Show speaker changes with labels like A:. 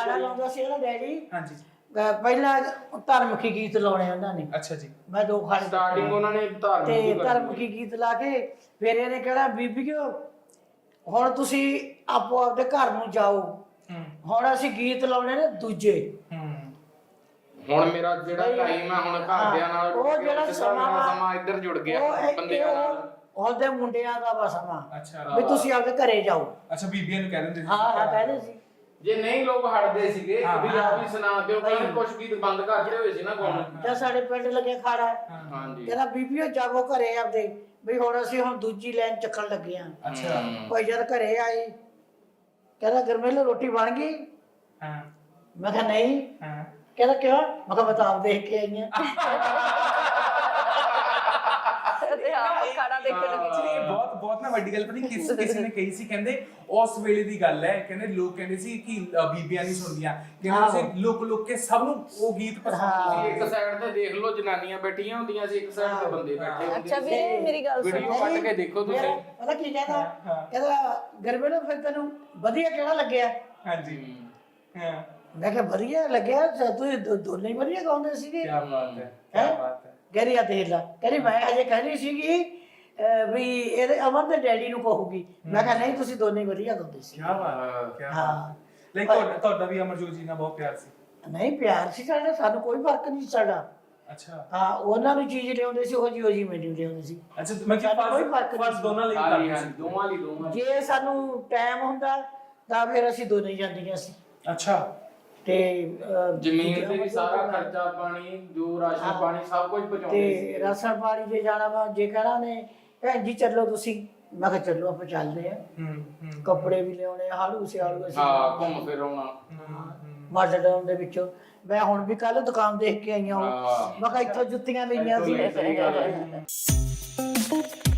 A: ਗਾਣਾ ਲਾਉਂਦਾ ਸੀ ਉਹਦਾ ਡੈਡੀ।
B: ਹਾਂਜੀ।
A: ਪਹਿਲਾਂ ਧਾਰਮਿਕ ਗੀਤ ਲਾਉਣੇ ਉਹਨਾਂ ਨੇ।
B: ਅੱਛਾ ਜੀ।
A: ਮੈਂ 2 ਖਾਣੇ
C: ਸਟਾਰਟਿੰਗ ਉਹਨਾਂ ਨੇ
A: ਧਾਰਮਿਕ ਗੀਤ ਲਾ ਕੇ ਫਿਰ ਇਹਨੇ ਕਹਿਣਾ ਬੀਬੀਓ ਹੁਣ ਤੁਸੀਂ ਆਪੋ ਆਪਦੇ ਘਰ ਨੂੰ ਜਾਓ, ਹੁਣ ਅਸੀਂ ਗੀਤ ਲਾਉਣੇ ਨੇ ਦੂਜੇ।
C: ਹੁਣ ਮੇਰਾ ਜਿਹੜਾ ਟਾਈਮ ਆ ਹੁਣ ਘਰਦਿਆਂ ਨਾਲ
A: ਉਹ ਜਿਹੜਾ
C: ਸਮਾਂ ਇੱਧਰ ਜੁੜ ਗਿਆ ਬੰਦਿਆਂ ਨਾਲ।
A: ਉਹਦੇ ਮੁੰਡਿਆਂ ਦਾ ਵਾ ਸਮਾਂ।
B: ਅੱਛਾ
A: ਵੀ ਤੁਸੀਂ ਆਪਦੇ ਘਰੇ ਜਾਓ।
B: ਅੱਛਾ ਬੀਬੀਆਂ ਨੂੰ ਕਹਿ ਦਿੰਦੇ ਸੀ।
A: ਹਾਂ ਕਹਿੰਦੇ ਸੀ।
C: ਜੇ ਨਹੀਂ ਲੋਕ ਹਟਦੇ ਸੀਗੇ ਵੀ ਆਪ ਹੀ ਸੁਣਾ ਦਿਓ, ਕਹਿੰਦੇ ਕੁਝ ਗੀਤ ਬੰਦ ਕਰਦੇ ਹੋਏ ਸੀ ਨਾ ਗਾਉਣ।
A: ਜਾਂ ਸਾਡੇ ਪਿੰਡ ਲੱਗੇ ਖਾੜਾ,
C: ਹਾਂਜੀ
A: ਕਹਿੰਦਾ ਬੀਬੀਓ ਜਾਵੋ ਘਰੇ ਆਪਦੇ, ਵੀ ਹੁਣ ਅਸੀਂ ਦੂਜੀ ਲਾਈਨ ਚੱਕਣ ਲੱਗੇ ਆ।
B: ਅੱਛਾ।
A: ਭਾਈ ਜਦ ਘਰੇ ਆਏ ਕਹਿੰਦਾ ਗਰਮੇਲੇ ਰੋਟੀ ਬਣ ਗਈ?
B: ਹਾਂ।
A: ਮੈਂ ਕਿਹਾ ਨਹੀਂ। ਕਹਿੰਦਾ ਕਿਉਂ? ਮੈਂ ਕਿਹਾ ਮੈਂ ਤਾਂ ਆਪ ਦੇਖ ਕੇ ਆਈ
B: ਬਹੁਤ ਨਾ ਵੱਡੀ ਗੱਲ ਪਤਾ ਨਹੀਂ ਕਿਸੇ ਨੇ ਕਹੀ ਸੀ, ਕਹਿੰਦੇ ਉਸ ਵੇਲੇ ਦੀ ਗੱਲ ਹੈ, ਕਹਿੰਦੇ ਲੋਕ ਕਹਿੰਦੇ ਸੀ ਕਿ ਬੀਬੀਆਂ ਨਹੀਂ ਸੁਣਦੀਆਂ, ਕਹਿੰਦੇ ਲੋਕ ਕੇ ਸਭ ਨੂੰ ਉਹ ਗੀਤ ਪਸੰਦ ਸੀ।
C: ਇੱਕ ਸਾਈਡ ਤੇ ਦੇਖ ਲਓ ਜਨਾਨੀਆਂ ਬੈਠੀਆਂ ਹੁੰਦੀਆਂ ਸੀ, ਇੱਕ ਸਾਈਡ ਤੇ ਬੰਦੇ ਬੈਠੇ ਹੁੰਦੇ ਸੀ।
D: ਅੱਛਾ ਵੀਰੇ ਮੇਰੀ ਗੱਲ ਸੁਣ,
C: ਵੀਡੀਓ ਕੱਟ ਕੇ ਦੇਖੋ ਤੁਸੀਂ।
A: ਪਤਾ ਕੀ ਕਹਿੰਦਾ? ਕਹਿੰਦਾ ਗਰਮੇਲੇ ਫਿਰ ਤੈਨੂੰ ਵਧੀਆ ਕਿਹੜਾ ਲੱਗਿਆ?
B: ਹਾਂਜੀ। ਹਾਂ।
A: ਮੈਂ ਕਿਹਾ ਵਧੀਆ ਲੱਗਿਆ, ਤੁਸੀਂ ਦੋਨੇ ਹੀ ਵਧੀਆ ਗਾਉਂਦੇ ਸੀਗੇ।
B: ਕੀ ਬਾਤ ਹੈ, ਕੀ ਬਾਤ ਹੈ।
A: ਕਹਿੰਦੀ ਆ ਦੇਖ ਲਾ, ਕਹਿੰਦੀ ਮੈਂ ਹਜੇ ਕਹਿੰਦੀ ਸੀਗੀ ਵੀ ਇਹਦੇ ਅਮਨ ਦੇ ਡੈਡੀ ਨੂੰ ਕਹੂਗੀ। ਮੈਂ ਕਿਹਾ ਨਹੀਂ ਤੁਸੀਂ ਦੋਨੇ ਹੀ ਵਧੀਆ ਗਾਉਂਦੇ ਸੀ।
B: ਕੀ ਬਾਤ ਹੈ।
A: ਹਾਂ
B: ਲਾਈਕ ਤੁਹਾਡਾ ਵੀ ਅਮਰਜੋਤ ਜੀ ਨਾਲ ਬਹੁਤ ਪਿਆਰ ਸੀ?
A: ਨਹੀਂ ਪਿਆਰ ਸੀ ਸਾਡਾ, ਸਾਨੂੰ ਕੋਈ ਫਰਕ ਨਹੀਂ ਸਾਡਾ।
B: ਅੱਛਾ।
A: ਹਾਂ ਉਹਨਾਂ ਨੂੰ ਚੀਜ਼ ਲਿਆਉਂਦੇ ਸੀ ਉਹ ਜੀ ਮੈਨੂੰ ਲਿਆਉਂਦੇ ਸੀ।
B: ਅੱਛਾ ਮੈਂ
A: ਕੋਈ ਫਰਕ ਨਹੀਂ,
B: ਦੋਨਾਂ ਲਈ
C: ਦੋਵਾਂ ਲਈ
A: ਜੇ ਸਾਨੂੰ ਟਾਈਮ ਹੁੰਦਾ ਤਾਂ ਫਿਰ ਅਸੀਂ ਦੋਨੇ ਹੀ ਜਾਂਦੀਆਂ ਸੀ।
B: ਅੱਛਾ।
A: ਤੇ
C: ਜ਼ਮੀਨ ਤੇ ਵੀ ਸਾਰਾ ਖਰਚਾ ਪਾਣੀ, ਜੋ ਰਾਸ਼ਨ ਪਾਣੀ ਸਭ ਕੁਝ ਪਹੁੰਚਾਉਂਦੇ ਸੀ।
A: ਤੇ ਰਾਸ਼ਨ ਪਾਣੀ ਜੇ ਜਾਣਾ ਵਾ, ਜੇ ਕਹਿਣਾ ਨੇ ਭੈਣ ਜੀ ਚੱਲੋ ਤੁਸੀਂ, ਮੈਂ ਕਿਹਾ ਚੱਲੋ ਆਪਾਂ ਚੱਲਦੇ ਆ। ਕੱਪੜੇ ਵੀ ਲਿਆਉਣੇ, ਹਾਲੂ ਸਿਆਲੂ ਅਸੀਂ
C: ਘੁੰਮ ਫਿਰ ਆਉਣਾ
A: ਮਾਡਲ ਟਾਊਨ ਦੇ ਵਿੱਚੋਂ। ਮੈਂ ਹੁਣ ਵੀ ਕੱਲ ਦੁਕਾਨ ਦੇਖ ਕੇ ਆਈਆਂ, ਮੈਂ ਕਿਹਾ ਇੱਥੋਂ ਜੁੱਤੀਆਂ ਲਈਆਂ ਸੀ।